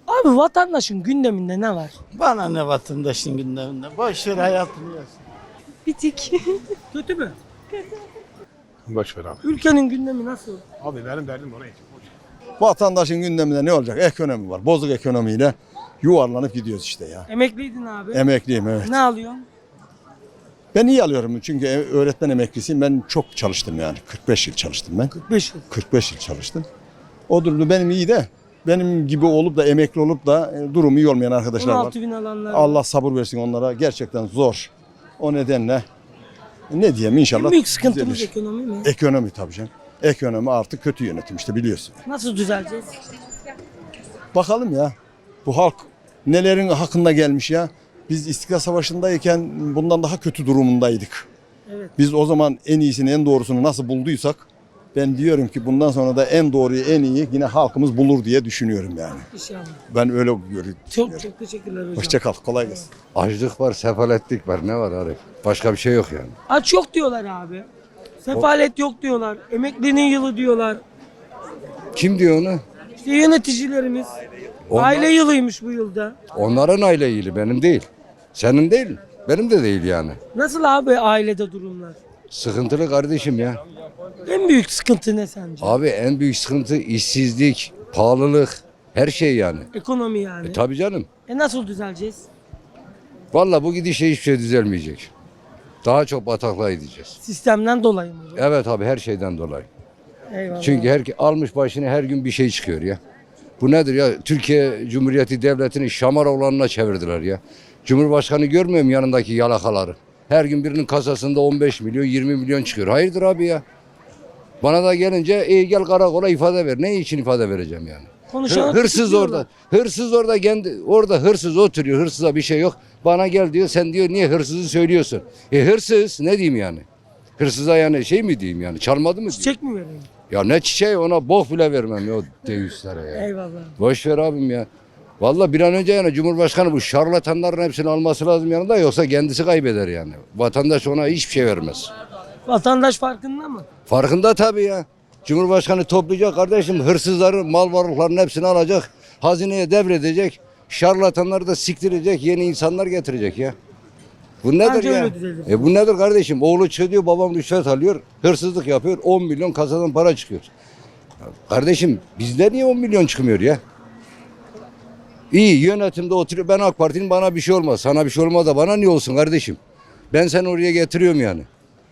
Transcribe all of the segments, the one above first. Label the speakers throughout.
Speaker 1: Abi vatandaşın gündeminde ne var?
Speaker 2: Bana ne vatandaşın gündeminde? Boş ver hayatını yaşa.
Speaker 3: Bitik.
Speaker 1: Kötü mü?
Speaker 4: Boş ver abi.
Speaker 1: Ülkenin gündemi nasıl?
Speaker 4: Abi benim derdim ona için.
Speaker 5: Vatandaşın gündeminde ne olacak? Ekonomi var. Bozuk ekonomiyle yuvarlanıp gidiyoruz işte ya.
Speaker 1: Emekliydin abi.
Speaker 5: Emekliyim, evet.
Speaker 1: Ne alıyorsun?
Speaker 5: Ben iyi alıyorum çünkü öğretmen emeklisiyim. Ben çok çalıştım yani. 45 yıl çalıştım ben.
Speaker 1: 45 yıl.
Speaker 5: 45 yıl çalıştım. O durumda benim iyi de benim gibi olup da emekli olup da durumu iyi olmayan arkadaşlar var.
Speaker 1: 16 bin alanlar var.
Speaker 5: Allah sabır versin onlara. Gerçekten zor. O nedenle ne diyeyim inşallah.
Speaker 1: En büyük sıkıntımız
Speaker 5: düzelir.
Speaker 1: ekonomi mi?
Speaker 5: Ekonomi tabii canım. Ekonomi artık kötü yönetim işte biliyorsun.
Speaker 1: Nasıl düzeleceğiz?
Speaker 5: Bakalım ya. Bu halk nelerin hakkında gelmiş ya. Biz İstiklal Savaşı'ndayken bundan daha kötü durumundaydık.
Speaker 1: Evet.
Speaker 5: Biz o zaman en iyisini, en doğrusunu nasıl bulduysak ben diyorum ki bundan sonra da en doğruyu, en iyi yine halkımız bulur diye düşünüyorum yani.
Speaker 1: İnşallah.
Speaker 5: Ben öyle görüyorum.
Speaker 1: Çok teşekkürler hocam.
Speaker 5: Hoşça kal, kolay gelsin.
Speaker 6: Açlık var, sefaletlik var. Ne var Arif? Başka bir şey yok yani.
Speaker 1: Aç yok diyorlar abi. Sefalet yok diyorlar. Emeklinin yılı diyorlar.
Speaker 6: Kim diyor onu?
Speaker 1: İşte yöneticilerimiz.
Speaker 6: Onlar-
Speaker 1: Aile yılıymış bu yılda.
Speaker 6: Onların aile iyili, benim değil. Senin değil, benim de değil yani.
Speaker 1: Nasıl abi ailede durumlar?
Speaker 6: Sıkıntılı kardeşim ya.
Speaker 1: En büyük sıkıntı ne sence?
Speaker 6: Abi en büyük sıkıntı işsizlik, pahalılık, her şey yani.
Speaker 1: Ekonomi yani.
Speaker 6: Tabii canım.
Speaker 1: Nasıl düzeleceğiz?
Speaker 6: Vallahi bu gidişle hiçbir şey düzelmeyecek. Daha çok bataklığa gideceğiz.
Speaker 1: Sistemden dolayı mı?
Speaker 6: Evet abi, her şeyden dolayı.
Speaker 1: Eyvallah.
Speaker 6: Çünkü almış başını her gün bir şey çıkıyor ya. Bu nedir ya? Türkiye Cumhuriyeti Devleti'ni şamar olanına çevirdiler ya. Cumhurbaşkanı görmüyor mu yanındaki yalakaları? Her gün birinin kasasında 15 milyon 20 milyon çıkıyor. Hayırdır abi ya? Bana da gelince gel karakola ifade ver. Ne için ifade vereceğim yani?
Speaker 1: Konuşanı
Speaker 6: Hırsız
Speaker 1: tutukluyorlar.
Speaker 6: orada. Hırsız orada orada hırsız oturuyor. Hırsıza bir şey yok. Bana gel diyor. Sen diyor niye hırsızı söylüyorsun? Hırsız ne diyeyim yani? Hırsıza yani şey mi diyeyim yani? Çalmadı mı diyeyim?
Speaker 1: Çiçek mi vereyim?
Speaker 6: Ya ne çiçeği, ona bok bile vermem ya o deyislere ya.
Speaker 1: Eyvallah.
Speaker 6: Boş ver abim ya. Vallahi bir an önce yani Cumhurbaşkanı bu şarlatanların hepsini alması lazım yanında, yoksa kendisi kaybeder yani. Vatandaş ona hiçbir şey vermez.
Speaker 1: Vatandaş farkında mı?
Speaker 6: Farkında tabii ya. Cumhurbaşkanı toplayacak kardeşim, hırsızları, mal varlıklarının hepsini alacak. Hazineye devredecek. Şarlatanları da siktirecek, yeni insanlar getirecek ya. Bu nedir
Speaker 1: Bence
Speaker 6: ya?
Speaker 1: öyle düzelir.
Speaker 6: Bu nedir kardeşim? Oğlu çıkıyor diyor, babam rüşvet alıyor, hırsızlık yapıyor, 10 milyon kasadan para çıkıyor. Ya kardeşim bizde niye 10 milyon çıkmıyor ya? İyi yönetimde oturuyor, ben AK Parti'nin, bana bir şey olmaz. Sana bir şey olmaz da bana niye olsun kardeşim? Ben seni oraya getiriyorum yani.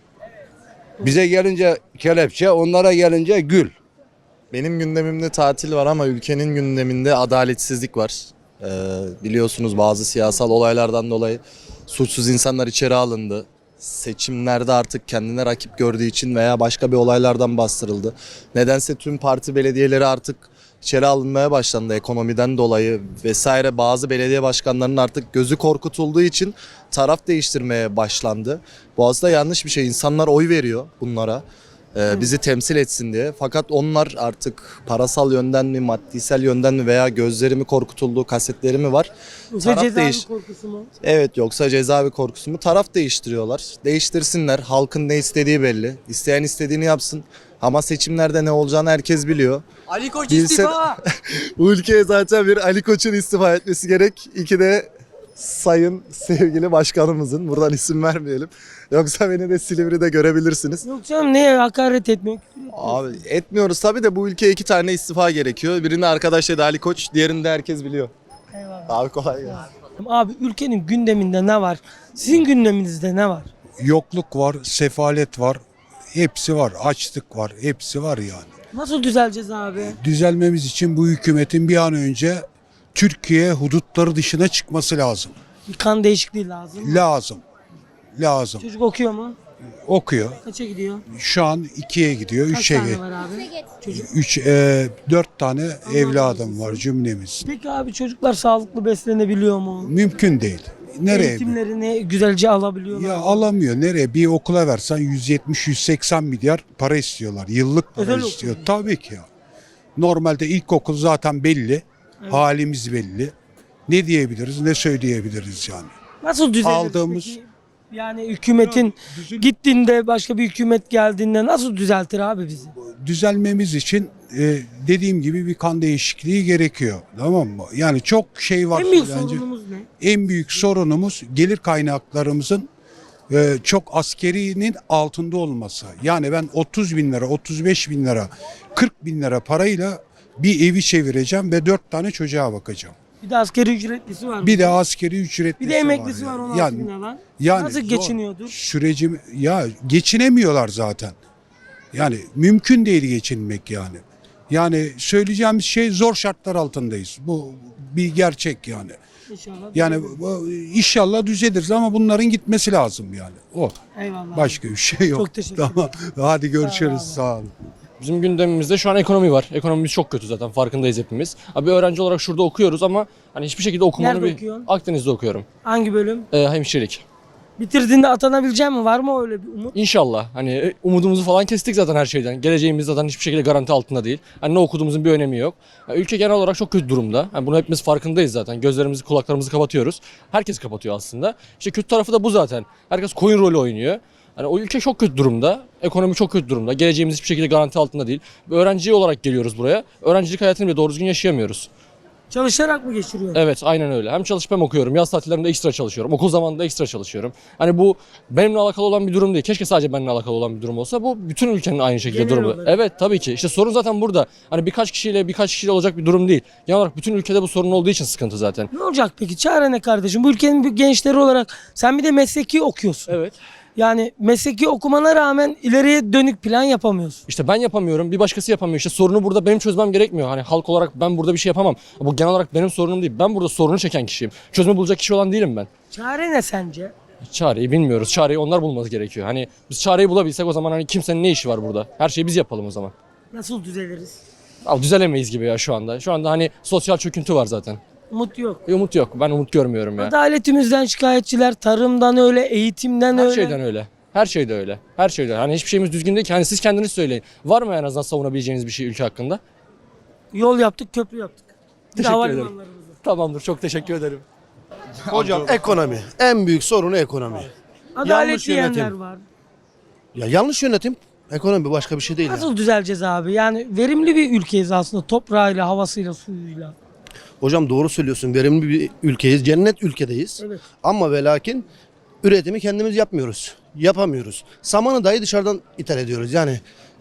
Speaker 6: Bize gelince kelepçe, onlara gelince gül.
Speaker 7: Benim gündemimde tatil var ama ülkenin gündeminde adaletsizlik var. Biliyorsunuz bazı siyasal olaylardan dolayı suçsuz insanlar içeri alındı. Seçimlerde artık kendine rakip gördüğü için veya başka bir olaylardan bastırıldı. Nedense tüm parti belediyeleri artık içeri alınmaya başlandı ekonomiden dolayı vesaire. Bazı belediye başkanlarının artık gözü korkutulduğu için taraf değiştirmeye başlandı. Bu aslında yanlış bir şey. İnsanlar oy veriyor bunlara. Bizi temsil etsin diye. Fakat onlar artık parasal yönden mi, maddisel yönden mi veya gözlerimi korkutulduğu kasetleri mi var?
Speaker 1: Yoksa
Speaker 7: Taraf
Speaker 1: cezaevi korkusu mu?
Speaker 7: Evet, yoksa cezaevi korkusu mu? Taraf değiştiriyorlar. Değiştirsinler. Halkın ne istediği belli. İsteyen istediğini yapsın. Ama seçimlerde ne olacağını herkes biliyor.
Speaker 1: Ali Koç
Speaker 7: Bilse-
Speaker 1: istifa.
Speaker 7: Bu ülkeye zaten bir Ali Koç'un istifa etmesi gerek. İki de sayın sevgili başkanımızın. Buradan isim vermeyelim. Yoksa beni de Silivri'de görebilirsiniz.
Speaker 1: Yok canım neye hakaret etmek?
Speaker 7: Abi etmiyoruz tabii de bu ülkeye iki tane istifa gerekiyor. Birini arkadaş dedi Ali Koç, diğerini de herkes biliyor.
Speaker 1: Eyvallah.
Speaker 7: Abi kolay gelsin.
Speaker 1: Abi ülkenin gündeminde ne var? Sizin gündeminizde ne var?
Speaker 8: Yokluk var, sefalet var, hepsi var, açlık var, hepsi var yani.
Speaker 1: Nasıl düzeleceğiz abi?
Speaker 8: Düzelmemiz için bu hükümetin bir an önce Türkiye hudutları dışına çıkması lazım.
Speaker 1: Bir kan değişikliği lazım.
Speaker 8: Lazım.
Speaker 1: Çocuk okuyor mu?
Speaker 8: Okuyor.
Speaker 1: Kaça gidiyor?
Speaker 8: Şu an 2'ye gidiyor,
Speaker 1: Kaç
Speaker 8: 3'e
Speaker 1: tane
Speaker 8: gidiyor.
Speaker 1: var abi? Çocuk.
Speaker 8: 4 tane evladım var cümlemiz.
Speaker 1: Peki abi çocuklar sağlıklı beslenebiliyor mu?
Speaker 8: Mümkün değil. Nereye?
Speaker 1: Eğitimlerini güzelce alabiliyorlar
Speaker 8: Ya
Speaker 1: mı?
Speaker 8: alamıyor. Nereye? Bir okula versen 170-180 milyar para istiyorlar. Yıllık para
Speaker 1: Özel
Speaker 8: istiyor.
Speaker 1: okul.
Speaker 8: Tabii ki ya. Normalde ilkokul zaten belli.
Speaker 1: Evet.
Speaker 8: Halimiz belli. Ne diyebiliriz, ne söyleyebiliriz yani.
Speaker 1: Nasıl düzeliriz
Speaker 8: Aldığımız
Speaker 1: peki? Yani hükümetin gittiğinde başka bir hükümet geldiğinde nasıl düzeltir abi bizi?
Speaker 8: Düzelmemiz için dediğim gibi bir kan değişikliği gerekiyor. Tamam mı? Yani çok şey var.
Speaker 1: En büyük
Speaker 8: bence.
Speaker 1: sorunumuz ne?
Speaker 8: En büyük sorunumuz gelir kaynaklarımızın çok askerinin altında olması. Yani ben 30 bin lira, 35 bin lira, 40 bin lira parayla bir evi çevireceğim ve 4 tane çocuğa bakacağım.
Speaker 1: Bir de asgari ücretlisi var.
Speaker 8: Bir de askeri ücretlisi
Speaker 1: Bir de emeklisi
Speaker 8: var.
Speaker 1: var
Speaker 8: yani.
Speaker 1: 16 bin lira.
Speaker 8: Yani
Speaker 1: Nasıl
Speaker 8: zor.
Speaker 1: geçiniyordur?
Speaker 8: Sürecim ya geçinemiyorlar zaten. Yani mümkün değil geçinmek yani. Yani söyleyeceğimiz şey zor şartlar altındayız. Bu bir gerçek yani.
Speaker 1: İnşallah.
Speaker 8: Yani inşallah düzeliriz ama bunların gitmesi lazım yani. O.
Speaker 1: Eyvallah.
Speaker 8: Başka bir şey yok.
Speaker 1: Çok teşekkür ederim.
Speaker 8: Tamam. Hadi görüşürüz.
Speaker 1: abi.
Speaker 8: Sağ olun.
Speaker 3: Bizim gündemimizde şu an ekonomi var. Ekonomimiz çok kötü zaten farkındayız hepimiz. Abi öğrenci olarak şurada okuyoruz ama hani hiçbir şekilde okumanı
Speaker 1: Nerede okuyorsun?
Speaker 3: Akdeniz'de okuyorum.
Speaker 1: Hangi bölüm?
Speaker 3: Hemşirelik.
Speaker 1: Bitirdiğinde atanabileceğim mi? Var mı öyle bir umut?
Speaker 3: İnşallah hani umudumuzu falan kestik zaten her şeyden. Geleceğimiz zaten hiçbir şekilde garanti altında değil. Hani ne okuduğumuzun bir önemi yok. Yani ülke genel olarak çok kötü durumda. Yani bunu hepimiz farkındayız zaten. Gözlerimizi, kulaklarımızı kapatıyoruz. Herkes kapatıyor aslında. İşte kötü tarafı da bu zaten. Herkes koyun rolü oynuyor. Hani o ülke çok kötü durumda. Ekonomi çok kötü durumda. Geleceğimiz hiçbir şekilde garanti altında değil. Bir öğrenci olarak geliyoruz buraya. Öğrencilik hayatını bile doğru düzgün yaşayamıyoruz.
Speaker 1: Çalışarak mı geçiriyor?
Speaker 3: Evet, aynen öyle. Hem çalışıp hem okuyorum. Yaz tatillerinde ekstra çalışıyorum. Okul zamanında ekstra çalışıyorum. Hani bu benimle alakalı olan bir durum değil. Keşke sadece benimle alakalı olan bir durum olsa. Bu bütün ülkenin aynı şekilde
Speaker 1: Genel
Speaker 3: durumu.
Speaker 1: olarak.
Speaker 3: Evet, tabii ki. İşte sorun zaten burada. Hani birkaç kişiyle olacak bir durum değil. Genel olarak bütün ülkede bu sorun olduğu için sıkıntı zaten.
Speaker 1: Ne olacak peki? Çare ne kardeşim? Bu ülkenin gençleri olarak sen bir de mesleki okuyorsun.
Speaker 3: Evet.
Speaker 1: Yani mesleki okumana rağmen ileriye dönük plan yapamıyorsun.
Speaker 3: İşte ben yapamıyorum, bir başkası yapamıyor. İşte sorunu burada benim çözmem gerekmiyor. Hani halk olarak ben burada bir şey yapamam. Bu genel olarak benim sorunum değil. Ben burada sorunu çeken kişiyim. Çözümü bulacak kişi olan değilim ben.
Speaker 1: Çare ne sence?
Speaker 3: Çareyi bilmiyoruz. Çareyi onlar bulması gerekiyor. Hani biz çareyi bulabilsek o zaman hani kimsenin ne işi var burada? Her şeyi biz yapalım o zaman.
Speaker 1: Nasıl düzeliriz?
Speaker 3: Abi düzelemeyiz gibi ya şu anda. Şu anda hani sosyal çöküntü var zaten.
Speaker 1: Umut yok.
Speaker 3: Umut yok. Ben umut görmüyorum ya.
Speaker 1: Adaletimizden şikayetçiler, tarımdan öyle, eğitimden
Speaker 3: Her
Speaker 1: öyle.
Speaker 3: şeyden öyle. Her şeyde öyle. Her şeyde öyle. Hani hiçbir şeyimiz düzgün değil ki. Hani siz kendiniz söyleyin. Var mı en azından savunabileceğiniz bir şey ülke hakkında?
Speaker 1: Yol yaptık, köprü yaptık. Bir de
Speaker 3: Teşekkür ederim.
Speaker 1: havalimanlarımızı.
Speaker 3: Tamamdır. Çok teşekkür ederim.
Speaker 9: Hocam ekonomi. En büyük sorunu ekonomi.
Speaker 1: Adalet
Speaker 9: Yanlış
Speaker 1: diyenler
Speaker 9: yönetim.
Speaker 1: var.
Speaker 9: Ya yanlış yönetim ekonomi başka bir şey değil. Yani.
Speaker 1: Nasıl düzeleceğiz abi? Yani verimli bir ülkeyiz aslında toprağıyla, havasıyla, suyuyla.
Speaker 9: Hocam doğru söylüyorsun. Verimli bir ülkeyiz. Cennet ülkedeyiz.
Speaker 1: Evet.
Speaker 9: Ama ve lakin üretimi kendimiz yapmıyoruz. Yapamıyoruz. Samanı dahi dışarıdan ithal ediyoruz. Yani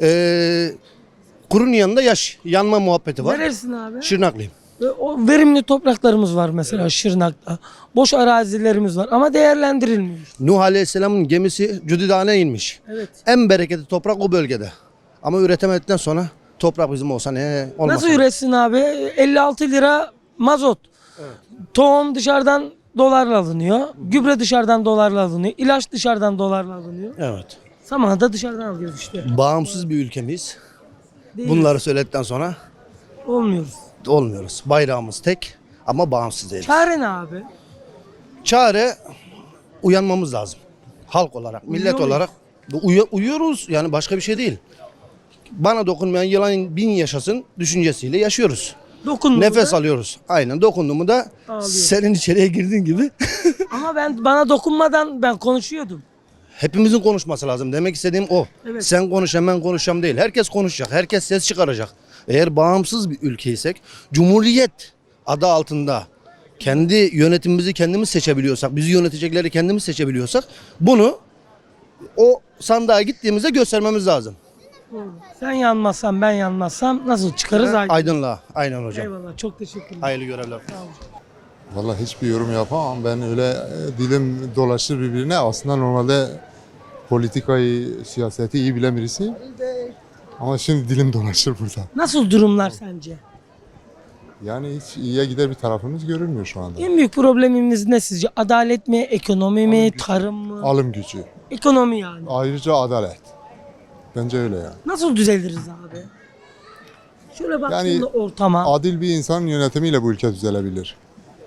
Speaker 9: kurun yanında yaş. Yanma muhabbeti var.
Speaker 1: Nerelisin abi?
Speaker 9: Şırnaklıyım.
Speaker 1: O verimli topraklarımız var mesela Şırnak'ta. Boş arazilerimiz var ama değerlendirilmiyor.
Speaker 9: Nuh Aleyhisselam'ın gemisi Cüdidan'a inmiş.
Speaker 1: Evet.
Speaker 9: En bereketli toprak o bölgede. Ama üretemedikten sonra toprak bizim olsa ne olmaz.
Speaker 1: Nasıl üretsin abi? 56 lira mazot. Tohum dışarıdan dolarla alınıyor. Gübre dışarıdan dolarla alınıyor. İlaç dışarıdan dolarla alınıyor.
Speaker 9: Evet.
Speaker 1: Samanı da dışarıdan alıyoruz işte.
Speaker 9: Bağımsız bir ülkemiz.
Speaker 1: Değil.
Speaker 9: Bunları söyledikten sonra
Speaker 1: Olmuyoruz.
Speaker 9: olmuyoruz. Bayrağımız tek ama bağımsız değiliz.
Speaker 1: Çare ne abi?
Speaker 9: Çare uyanmamız lazım. Halk olarak, millet
Speaker 1: Uyuyor
Speaker 9: olarak uyuyoruz. Yani başka bir şey değil. Bana dokunmayan yılan bin yaşasın düşüncesiyle yaşıyoruz.
Speaker 1: Dokunmuyor.
Speaker 9: Nefes alıyoruz. Aynen dokunduğumu da
Speaker 1: Ağlıyor.
Speaker 9: senin içeriye girdiğin gibi
Speaker 1: Ama bana dokunmadan ben konuşuyordum.
Speaker 9: hepimizin konuşması lazım. Demek istediğim o.
Speaker 1: Evet.
Speaker 9: Sen konuş ben konuşacağım değil. Herkes konuşacak. Herkes ses çıkaracak. Eğer bağımsız bir ülkeysek, Cumhuriyet adı altında kendi yönetimimizi kendimiz seçebiliyorsak, bizi yönetecekleri kendimiz seçebiliyorsak bunu o sandığa gittiğimizde göstermemiz lazım.
Speaker 1: Sen yanmazsan ben yanmazsam nasıl çıkarız aydın?
Speaker 9: Aydınlığa. Aynen hocam.
Speaker 1: Eyvallah çok teşekkürler.
Speaker 9: Hayırlı görevler.
Speaker 10: Vallahi hiçbir yorum yapamam. Ben öyle dilim dolaşır birbirine. Aslında normalde politikayı, siyaseti iyi bilen birisiyim. Ama şimdi dilim dolaşır burada.
Speaker 1: Nasıl durumlar sence?
Speaker 10: Yani hiç iyiye gider bir tarafımız görünmüyor şu anda.
Speaker 1: En büyük problemimiz ne sizce? Adalet mi, ekonomi mi, tarım mı?
Speaker 10: Alım gücü.
Speaker 1: Ekonomi yani.
Speaker 10: Ayrıca adalet. Bence öyle yani.
Speaker 1: Nasıl düzeliriz abi? Şöyle baktığında
Speaker 10: Yani
Speaker 1: ortama.
Speaker 10: Adil bir insanın yönetimiyle bu ülke düzelebilir.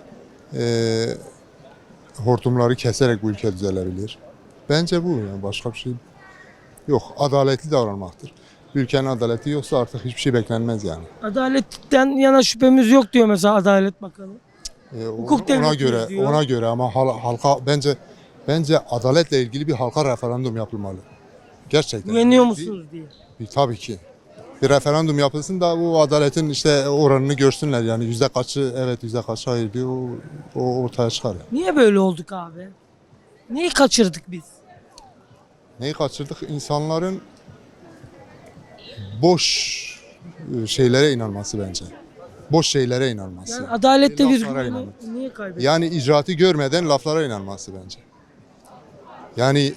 Speaker 10: Hortumları keserek bu ülke düzelebilir. Bence bu yani başka bir şey yok. Adaletli davranmaktır. Ülkenin adaleti yoksa artık hiçbir şey beklenmez yani.
Speaker 1: Adaletten yana şüphemiz yok diyor mesela Adalet Bakanı. Hukuk
Speaker 10: Ona
Speaker 1: devletiyiz
Speaker 10: göre
Speaker 1: diyor.
Speaker 10: ona göre ama halka bence Bence adaletle ilgili bir halka referandum yapılmalı. Gerçekten.
Speaker 1: Güveniyor musunuz diye.
Speaker 10: Tabii ki. Bir referandum yapılsın da bu adaletin işte oranını görsünler yani yüzde kaçı evet yüzde kaçı hayır bir o ortaya çıkar. Yani.
Speaker 1: Niye böyle olduk abi? Neyi kaçırdık biz?
Speaker 10: Neyi kaçırdık? İnsanların boş şeylere inanması bence. Boş şeylere inanması.
Speaker 1: Yani adalette biz
Speaker 10: Laflara
Speaker 1: güveni
Speaker 10: inanmak.
Speaker 1: niye kaybettik?
Speaker 10: Yani icraatı görmeden laflara inanması bence. Yani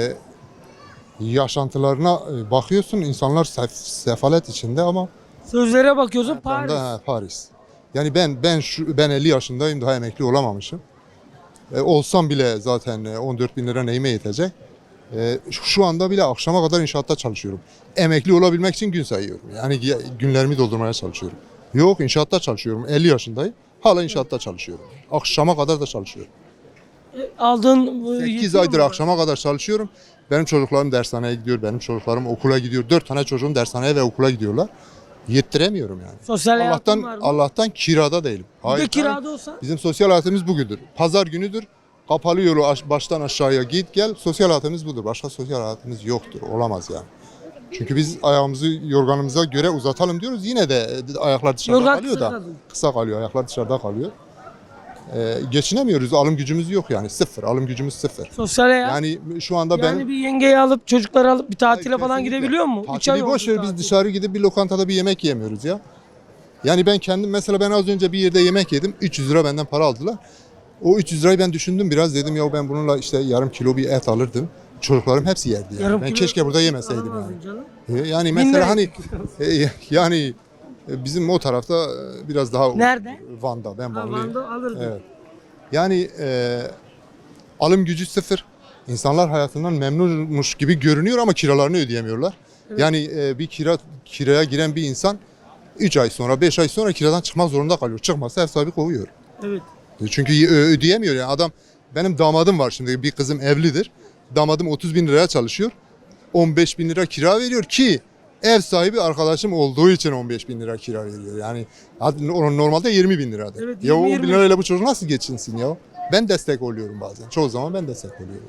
Speaker 10: yaşantılarına bakıyorsun insanlar sefalet içinde ama
Speaker 1: Sözlere bakıyorsun Paris.
Speaker 10: Paris. Yani ben 50 yaşındayım daha emekli olamamışım. Olsam bile zaten 14 bin lira neyime yetecek. Şu anda bile akşama kadar inşaatta çalışıyorum. Emekli olabilmek için gün sayıyorum. Yani günlerimi doldurmaya çalışıyorum. Yok inşaatta çalışıyorum. 50 yaşındayım. Hala inşaatta çalışıyorum. Akşama kadar da çalışıyorum.
Speaker 1: Aldığın
Speaker 10: 8 aydır akşama kadar çalışıyorum. Benim çocuklarım dershaneye gidiyor. Benim çocuklarım okula gidiyor. 4 tane çocuğum dershaneye ve okula gidiyorlar. Yettiremiyorum yani.
Speaker 1: Sosyal hayatın var mı?
Speaker 10: Allah'tan kirada değilim.
Speaker 1: Bir de kirada olsa
Speaker 10: Bizim sosyal hayatımız bugündür. Pazar günüdür. Kapalı yolu baştan aşağıya git gel. Sosyal hayatımız budur. Başka sosyal hayatımız yoktur. Olamaz yani. Çünkü biz ayağımızı yorganımıza göre uzatalım diyoruz. Yine de ayaklar dışarıda
Speaker 1: Yorgan
Speaker 10: kalıyor
Speaker 1: kısa
Speaker 10: da.
Speaker 1: kalıyor.
Speaker 10: Kısa kalıyor. Ayaklar dışarıda kalıyor. Geçinemiyoruz. Alım gücümüz yok yani. Sıfır. Alım gücümüz sıfır.
Speaker 1: sosyal hayat.
Speaker 10: Yani şu anda
Speaker 1: Yani bir yengeyi alıp çocukları alıp bir tatile falan
Speaker 10: Kesinlikle.
Speaker 1: gidebiliyor mu? 3 ay
Speaker 10: Tatili boş ver
Speaker 1: oldu
Speaker 10: biz
Speaker 1: tatil.
Speaker 10: dışarı gidip bir lokantada bir yemek yemiyoruz ya. Yani ben kendim mesela ben az önce bir yerde yemek yedim. 300 lira benden para aldılar. O 300 lirayı ben düşündüm biraz dedim ya ben bununla işte yarım kilo bir et alırdım. Çocuklarım hepsi yerdi yani.
Speaker 1: Yarım
Speaker 10: Ben
Speaker 1: kilo
Speaker 10: keşke burada yemeseydim
Speaker 1: alamazdın
Speaker 10: yani.
Speaker 1: canım.
Speaker 10: Yani
Speaker 1: Bin
Speaker 10: mesela
Speaker 1: lira
Speaker 10: hani yani bizim o tarafta biraz daha
Speaker 1: Nerede?
Speaker 10: Van'da ben
Speaker 1: Ha,
Speaker 10: Vanlıyım.
Speaker 1: Van'da alırdın.
Speaker 10: Evet. Yani alım gücü sıfır. İnsanlar hayatından memnunmuş gibi görünüyor ama kiralarını ödeyemiyorlar. Yani bir kiraya giren bir insan 3 ay sonra 5 ay sonra kiradan çıkmak zorunda kalıyor. Çıkmazsa ev sahibi kovuyor.
Speaker 1: Evet.
Speaker 10: Çünkü ödeyemiyor yani adam. Benim damadım var şimdi bir kızım evlidir. Damadım 30 bin liraya çalışıyor. 15 bin lira kira veriyor ki ev sahibi arkadaşım olduğu için 15 bin lira kira veriyor. Yani normalde 20 bin liradır.
Speaker 1: Evet,
Speaker 10: Ya o
Speaker 1: 20
Speaker 10: bin lirayla bu çocuk nasıl geçinsin ya? Ben destek oluyorum bazen. Çoğu zaman ben destek oluyorum.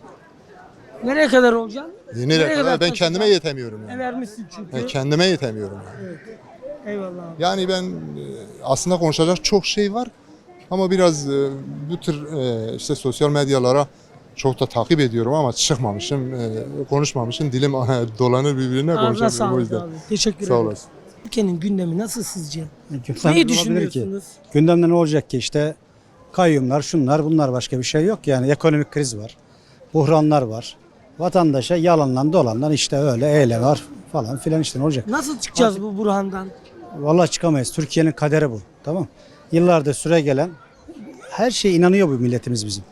Speaker 1: Nereye kadar olacaksın?
Speaker 10: Nereye kadar? Ben
Speaker 1: taşıyacaksın?
Speaker 10: kendime yetemiyorum yani.
Speaker 1: Vermişsin çünkü.
Speaker 10: Kendime yetemiyorum yani.
Speaker 1: Eyvallah abi.
Speaker 10: Yani ben aslında konuşacak çok şey var ama biraz bu tür işte sosyal medyalara çok da takip ediyorum ama çıkmamışım, konuşmamışım. Dilim dolanır birbirine
Speaker 1: Ağzına
Speaker 10: konuşamıyorum o
Speaker 1: sağlık
Speaker 10: yüzden.
Speaker 1: abi. Teşekkür
Speaker 10: Sağ
Speaker 1: ederim.
Speaker 10: olasın.
Speaker 1: Ülkenin gündemi nasıl sizce?
Speaker 2: Gündemde
Speaker 1: Neyi
Speaker 2: olabilir
Speaker 1: düşünüyorsunuz?
Speaker 2: Ki? Gündemde ne olacak ki işte kayyumlar şunlar bunlar başka bir şey yok yani ekonomik kriz var. Buhranlar var. Vatandaşa yalanlan dolanlan işte öyle eyle var falan filan işte ne olacak?
Speaker 1: Nasıl çıkacağız bu burhandan?
Speaker 2: Vallahi çıkamayız. Türkiye'nin kaderi bu. Tamam. Yıllardır süre gelen her şeye inanıyor bu milletimiz bizim.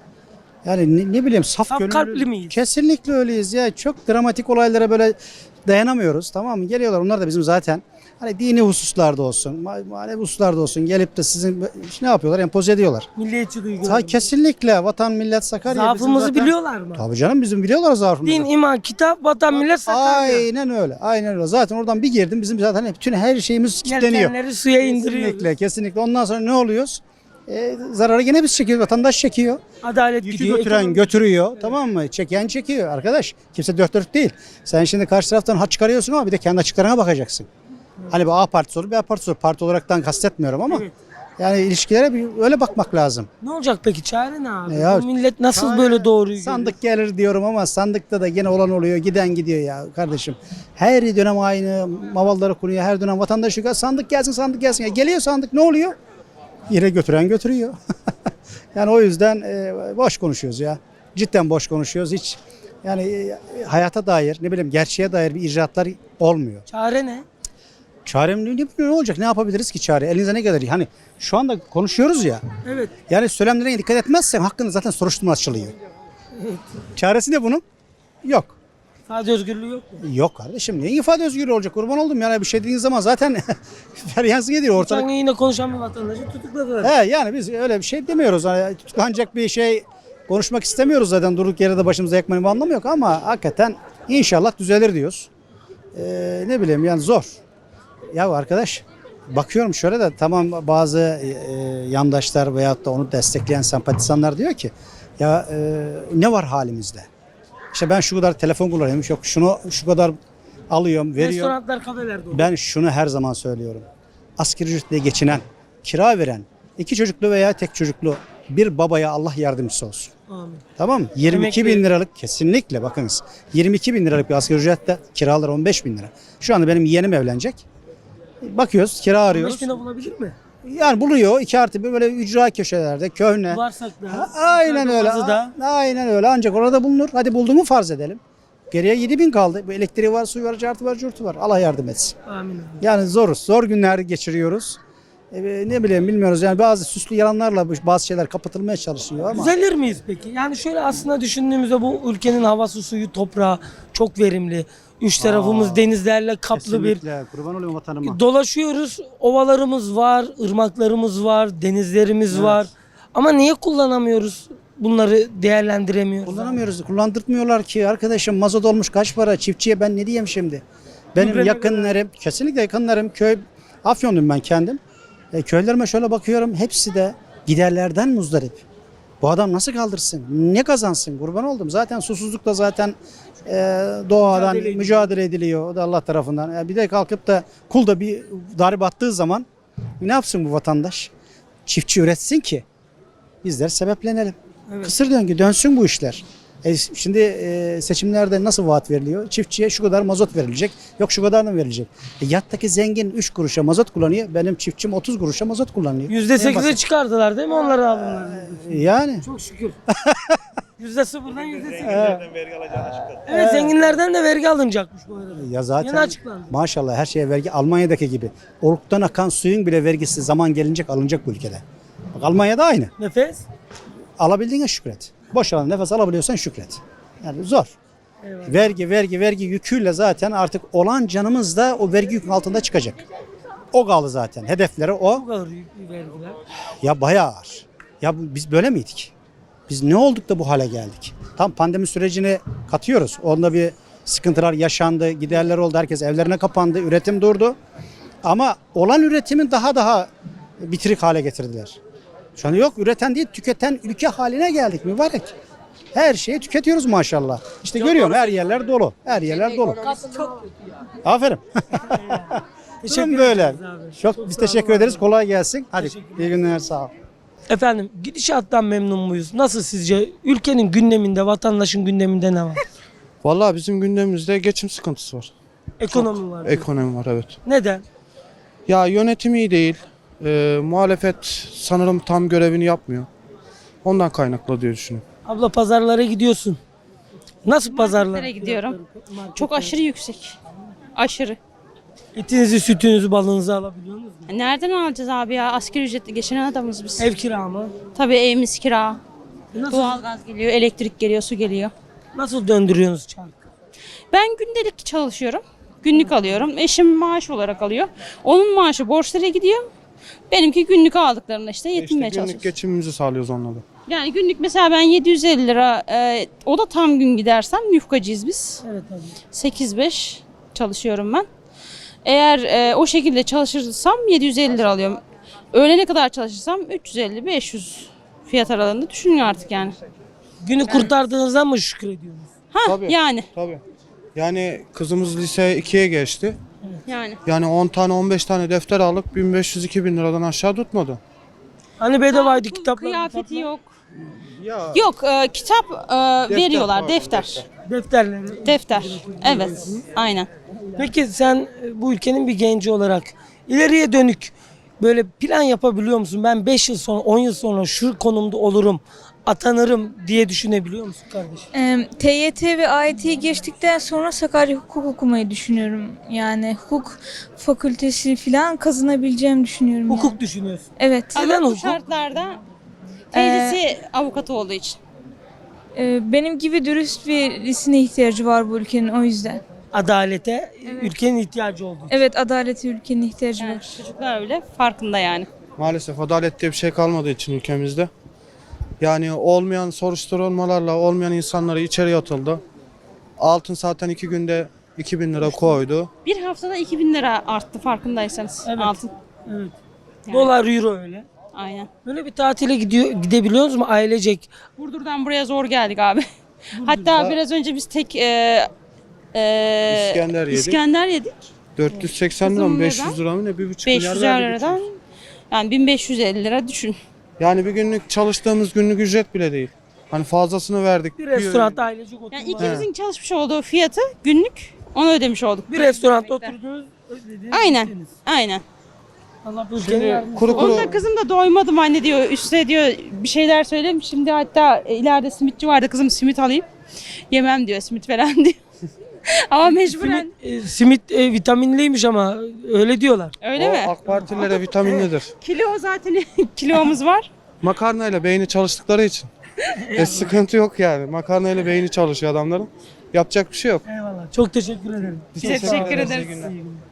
Speaker 2: Yani ne bileyim saf
Speaker 1: Saf
Speaker 2: gönüllü.
Speaker 1: kalpli miyiz?
Speaker 2: Kesinlikle öyleyiz ya. Çok dramatik olaylara böyle dayanamıyoruz. Tamam mı? Geliyorlar onlar da bizim zaten hani dini hususlarda olsun, manevi hususlarda olsun gelip de sizin ne yapıyorlar? Empoze ediyorlar.
Speaker 1: Milliyetçi duygular.
Speaker 2: Kesinlikle vatan millet Sakarya. bizim
Speaker 1: Zaafımızı
Speaker 2: zaten-
Speaker 1: biliyorlar mı?
Speaker 2: Tabii canım bizim biliyorlar zaafımızı.
Speaker 1: Din, iman, kitap, vatan, millet, Sakarya.
Speaker 2: Aynen öyle. Aynen öyle. Zaten oradan bir girdim bizim zaten bütün her şeyimiz kilitleniyor.
Speaker 1: Yelkenleri suya indiriyoruz.
Speaker 2: Kesinlikle, kesinlikle. Ondan sonra ne oluyoruz? Zararı gene biz çekiyoruz. Vatandaş çekiyor.
Speaker 1: Adalet
Speaker 2: Yükü
Speaker 1: gidiyor.
Speaker 2: götüren
Speaker 1: ekonomi-
Speaker 2: götürüyor. Tamam mı? Çeken çekiyor. Arkadaş kimse dört dört değil. Sen şimdi karşı taraftan hat çıkarıyorsun ama bir de kendi açıklarına bakacaksın. Hani bir A partisi olur, bir A partisi olur. Parti olaraktan kastetmiyorum ama
Speaker 1: Evet.
Speaker 2: yani ilişkilere bir öyle bakmak lazım.
Speaker 1: Ne olacak peki? Çare ne abi?
Speaker 2: Ya,
Speaker 1: Bu millet nasıl
Speaker 2: Çare-
Speaker 1: böyle doğruyu
Speaker 2: Sandık gelir diyorum ama sandıkta da gene olan oluyor. Giden gidiyor ya kardeşim. Her dönem aynı mavalları kuruyor. Her dönem vatandaş çıkıyor. Sandık gelsin, sandık gelsin. Ya geliyor sandık ne oluyor? Yine götüren götürüyor. Yani o yüzden boş konuşuyoruz ya. Cidden boş konuşuyoruz. Hiç yani hayata dair ne bileyim gerçeğe dair bir icraatlar olmuyor.
Speaker 1: Çare ne?
Speaker 2: Çarem ne olacak? Ne yapabiliriz ki çare? Elinize ne gelir? Hani şu anda konuşuyoruz ya.
Speaker 1: Evet.
Speaker 2: Yani söylemlerine dikkat etmezsen hakkında zaten soruşturma açılıyor. Çaresi ne bunun? Yok.
Speaker 1: İfade özgürlüğü yok mu?
Speaker 2: Yok kardeşim. Niye ifade özgürlüğü olacak? Kurban oldum yani bir şey dediğiniz zaman zaten feryansın ediyor ortalık.
Speaker 1: Geçen gün yine konuşan bir vatandaşı tutukladılar.
Speaker 2: He yani biz öyle bir şey demiyoruz. Hani tutuklanacak bir şey konuşmak istemiyoruz zaten. Durduk yere de başımıza yakmanın bir anlamı yok ama hakikaten inşallah düzelir diyoruz. Ne bileyim yani zor. Ya arkadaş bakıyorum şöyle de tamam bazı yandaşlar veyahut da onu destekleyen sempatizanlar diyor ki Ya ne var halimizde? İşte ben şu kadar telefon kullanıyorum. Yok şunu şu kadar alıyorum, veriyorum.
Speaker 1: Restoranlar, kafeler dolu.
Speaker 2: Ben şunu her zaman söylüyorum. Asgari ücretle geçinen, kira veren, 2 çocuklu veya tek çocuklu bir babaya Allah yardımcısı olsun.
Speaker 1: Amin.
Speaker 2: Tamam mı? 22 bin liralık kesinlikle bakınız. 22 bin liralık bir asgari ücrette kiralar 15 bin lira. Şu anda benim yeğenim evlenecek. Bakıyoruz kira arıyoruz.
Speaker 1: 5.000'e bulabilir mi?
Speaker 2: Yani buluyor 2+1 böyle ücra köşelerde köhne.
Speaker 1: Varsak da.
Speaker 2: Aynen öyle.
Speaker 1: Da.
Speaker 2: Aynen öyle. Ancak orada bulunur. Hadi bulduğumu farz edelim. Geriye 7 bin kaldı. Bu elektriği var, suyu var, cartı var, curtu var. Allah yardım etsin.
Speaker 1: Amin.
Speaker 2: Yani zoruz. Zor günler geçiriyoruz. Ne bileyim bilmiyoruz. Yani bazı süslü yalanlarla bazı şeyler kapatılmaya çalışıyor ama.
Speaker 1: Düzelir miyiz peki? Yani şöyle aslında düşündüğümüzde bu ülkenin havası, suyu, toprağı çok verimli. Üç tarafımız denizlerle kaplı bir.
Speaker 2: Kesinlikle. Kurban olayım vatanıma.
Speaker 1: Dolaşıyoruz. Ovalarımız var, ırmaklarımız var, denizlerimiz var. Ama niye kullanamıyoruz? Bunları değerlendiremiyoruz.
Speaker 2: Kullanamıyoruz. Kullandırtmıyorlar ki arkadaşım mazot olmuş kaç para çiftçiye ben ne diyeyim şimdi? Benim
Speaker 1: Gübrene
Speaker 2: yakınlarım kesinlikle yakınlarım köy Afyon'dum ben kendim. Köylerime şöyle bakıyorum hepsi de giderlerden muzdarip. Bu adam nasıl kaldırsın? Ne kazansın? Kurban oldum. Zaten susuzlukla zaten doğadan mücadele ediliyor. O da Allah tarafından. Bir de kalkıp da kulda bir darbe attığı zaman ne yapsın bu vatandaş? Çiftçi üretsin ki bizler sebeplenelim. Kısır döngü dönsün bu işler. Şimdi seçimlerde nasıl vaat veriliyor? Çiftçiye şu kadar mazot verilecek. Yok şu kadar mı verilecek? Yattaki zengin 3 kuruşa mazot kullanıyor. Benim çiftçim 30 kuruşa mazot kullanıyor. En
Speaker 1: %8'e
Speaker 2: basit.
Speaker 1: çıkardılar değil mi onları alımları?
Speaker 2: Yani.
Speaker 1: Çok şükür. %0'dan %8'e. Evet, zenginlerden de vergi alınacakmış bu arada.
Speaker 2: Ya zaten
Speaker 1: Yeni açıklandı.
Speaker 2: maşallah her şeye vergi Almanya'daki gibi. Oluktan akan suyun bile vergisi zaman gelince alınacak bu ülkede. Bak Almanya'da aynı.
Speaker 1: Nefes.
Speaker 2: Alabildiğine şükret. Boş alan nefes alabiliyorsan şükret. Yani zor.
Speaker 1: Eyvallah.
Speaker 2: Vergi yüküyle zaten artık olan canımız da o vergi yükün altında çıkacak. O kaldı zaten. Hedefleri o.
Speaker 1: Bu kadar yüklü vergiler.
Speaker 2: Ya bayağı ağır. Ya biz böyle miydik? Biz ne olduk da bu hale geldik? Tam pandemi sürecini katıyoruz. Onda bir sıkıntılar yaşandı, giderler oldu. Herkes evlerine kapandı, üretim durdu. Ama olan üretimin daha bitirik hale getirdiler. Şu an yok üreten değil, tüketen ülke haline geldik mübarek. Her şeyi tüketiyoruz maşallah. İşte görüyorum her yerler dolu. Her yerler dolu. Aferin. Durum böyle.
Speaker 1: ederiz abi.
Speaker 2: Çok biz teşekkür ederiz. Kolay gelsin. Hadi iyi günler sağ ol.
Speaker 1: Efendim gidişattan memnun muyuz? Nasıl sizce? Ülkenin gündeminde, vatandaşın gündeminde ne var?
Speaker 11: Vallahi bizim gündemimizde geçim sıkıntısı var.
Speaker 1: Ekonomi var.
Speaker 11: Ekonomi var, evet.
Speaker 1: Neden?
Speaker 11: Ya yönetim iyi değil. Muhalefet sanırım tam görevini yapmıyor. Ondan kaynaklı diye düşünüyorum.
Speaker 1: Abla pazarlara gidiyorsun. Nasıl pazarlar?
Speaker 12: Marketlere gidiyorum. Çok aşırı yüksek. Aşırı.
Speaker 1: Etinizi, sütünüzü, balınızı alabiliyor musunuz?
Speaker 12: Nereden alacağız abi ya? Asgari ücretli geçinen adamız biz.
Speaker 1: Ev kira mı?
Speaker 12: Tabii evimiz kira.
Speaker 1: Nasıl,
Speaker 12: Doğalgaz geliyor, elektrik geliyor, su geliyor.
Speaker 1: nasıl döndürüyorsunuz çarkı?
Speaker 12: Ben gündelik çalışıyorum. Günlük alıyorum. Eşim maaş olarak alıyor. Onun maaşı borçlara gidiyor. Benimki günlük aldıklarımla işte yetinmeye
Speaker 11: İşte günlük
Speaker 12: çalışıyoruz.
Speaker 11: geçimimizi sağlıyoruz onunla da.
Speaker 12: Yani günlük mesela ben 750 lira, o da tam gün gidersem yufkacıyız biz.
Speaker 1: Evet abi.
Speaker 12: 8-5 çalışıyorum ben. Eğer o şekilde çalışırsam 750 lira alıyorum. Öğlene kadar çalışırsam 350-500 fiyat aralığında düşünün artık yani.
Speaker 1: Günü kurtardığınızdan mı şükrediyorsunuz?
Speaker 12: Ha
Speaker 11: Tabii.
Speaker 12: yani.
Speaker 11: Tabii. Yani kızımız lise 2'ye geçti.
Speaker 12: Yani.
Speaker 11: Yani 10 tane 15 tane defter aldık 1500-2000 liradan aşağı tutmadı.
Speaker 1: Hani bedavaydı kitaplar?
Speaker 12: Kıyafeti yok.
Speaker 11: Ya
Speaker 12: Yok kitap veriyorlar
Speaker 11: var,
Speaker 12: defter.
Speaker 1: Defterleri.
Speaker 12: Defter. Evet. Aynen.
Speaker 1: Peki sen bu ülkenin bir genci olarak ileriye dönük böyle plan yapabiliyor musun? Ben 5 yıl sonra, 10 yıl sonra şu konumda olurum, atanırım diye düşünebiliyor musun kardeşim?
Speaker 13: TYT ve AYT'yi geçtikten sonra Sakarya Hukuk okumayı düşünüyorum. Yani hukuk fakültesi falan kazanabileceğimi düşünüyorum.
Speaker 1: Hukuk
Speaker 13: yani.
Speaker 1: düşünüyorsun.
Speaker 13: Evet.
Speaker 1: Neden
Speaker 12: Ama bu
Speaker 1: hukuk?
Speaker 12: şartlarda teyzesi avukatı olduğu için.
Speaker 13: Benim gibi dürüst birisine ihtiyacı var bu ülkenin o yüzden.
Speaker 1: Adalete ülkenin ihtiyacı olduğu için.
Speaker 13: Evet adalete ülkenin ihtiyacı
Speaker 12: Yani
Speaker 13: var.
Speaker 12: çocuklar öyle farkında yani.
Speaker 11: maalesef adalet diye bir şey kalmadığı için ülkemizde. Yani olmayan soruşturmalarla olmayan insanları içeri atıldı. Altın zaten 2 günde 2000 lira koydu.
Speaker 12: Bir haftada 2000 lira arttı farkındaysanız
Speaker 1: Evet.
Speaker 12: altın.
Speaker 1: Evet.
Speaker 12: Yani.
Speaker 1: Dolar, euro öyle.
Speaker 12: Aynen.
Speaker 1: Böyle bir tatile gidebiliyor musunuz ailecek?
Speaker 12: Burdur'dan buraya zor geldik abi. Hatta biraz önce biz tek
Speaker 11: İskender yedik.
Speaker 12: İskender yedik.
Speaker 11: 480 lira mı
Speaker 12: Kızım
Speaker 11: 500 lira mı ne? 1,5 milyar
Speaker 12: 500
Speaker 11: verdik
Speaker 12: liradan
Speaker 11: üçümüz.
Speaker 12: yani 1550 lira düşün.
Speaker 11: Yani bir günlük çalıştığımız günlük ücret bile değil. Hani fazlasını verdik.
Speaker 1: Bir restoranda ailecek oturma.
Speaker 12: Yani ikimizin çalışmış olduğu fiyatı günlük onu ödemiş olduk.
Speaker 1: Bir restoranda oturdunuz. ödediniz,
Speaker 12: Aynen.
Speaker 1: gittiniz.
Speaker 12: Aynen.
Speaker 1: Allah bu ülkenin yardımcısı
Speaker 11: kuru
Speaker 1: olsun.
Speaker 11: kuru
Speaker 12: Onda kızım da doymadım anne diyor. Üstüne diyor bir şeyler söylemiş. Şimdi hatta ileride simitçi vardı. Kızım simit alayım. Yemem diyor simit falan diyor. Ama mecburen.
Speaker 1: Simit vitaminliymiş ama öyle diyorlar.
Speaker 12: Öyle
Speaker 11: o
Speaker 12: mi?
Speaker 11: AK Partililere vitaminlidir.
Speaker 12: Kilo zaten kilomuz var.
Speaker 11: Makarnayla beyni çalıştıkları için. Sıkıntı yok yani. Makarnayla beyni çalışıyor adamların. Yapacak bir şey yok.
Speaker 1: Eyvallah. Çok teşekkür ederim.
Speaker 12: Teşekkür ederiz.
Speaker 11: İyi günler.